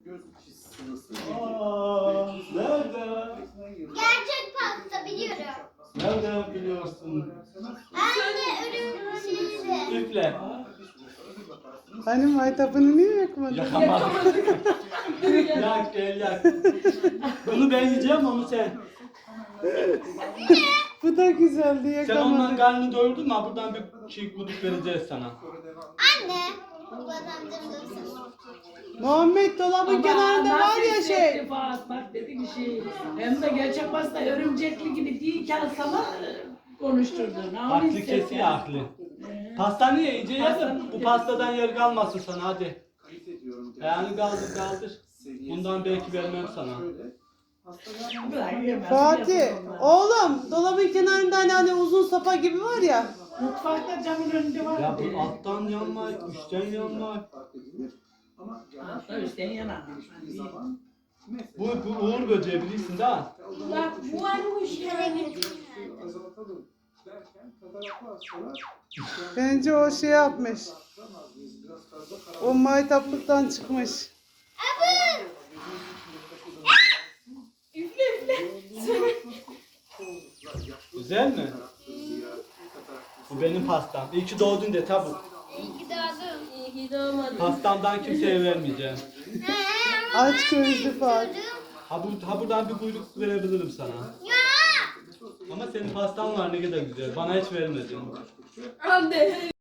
Nerede? Gerçek pasta biliyorum. Nereden biliyorsun? Anne ölüm Üfle. Hani maytapını niye yakmadın? Yakamadım. Yak gel yak. Bunu ben yiyeceğim, onu sen. Bu da güzeldi, Sen ondan yakamadık. karnını doyurdun mu? Buradan bir şey guduk vereceğiz sana. Anne. Babamdan dursun. Muhammed dolabın kenarında var ya şey. Bak dedi ki şey. Hem de gerçek pasta örümcekli gibi değilken sana konuşturdun. Aklı kesiyor aklı. Pasta niye iyice yedin? Bu pastadan yer kalmasın sana hadi. Yani kaldır. Bundan belki vermem sana. Fatih, oğlum dolabın kenarında hani uzun sopa gibi var ya. Mutfakta camın önünde var. Ya bu alttan yanma, üstten yanma. Altta üstten yana. Bu uğur böceği bilirsin değil mi? Bak bu varmış ya. Bence o şey yapmış. O maytaplıktan çıkmış. Güzel mi? Bu benim pastam. İyi ki doğdun de tabi. İyi ki doğdun. Pastamdan kimseye vermeyeceğim. Aç gözlü Fatih. Ha buradan bir kuyruk verebilirim sana. Ama senin pastan var ne kadar güzel. Bana hiç vermedin. Anne.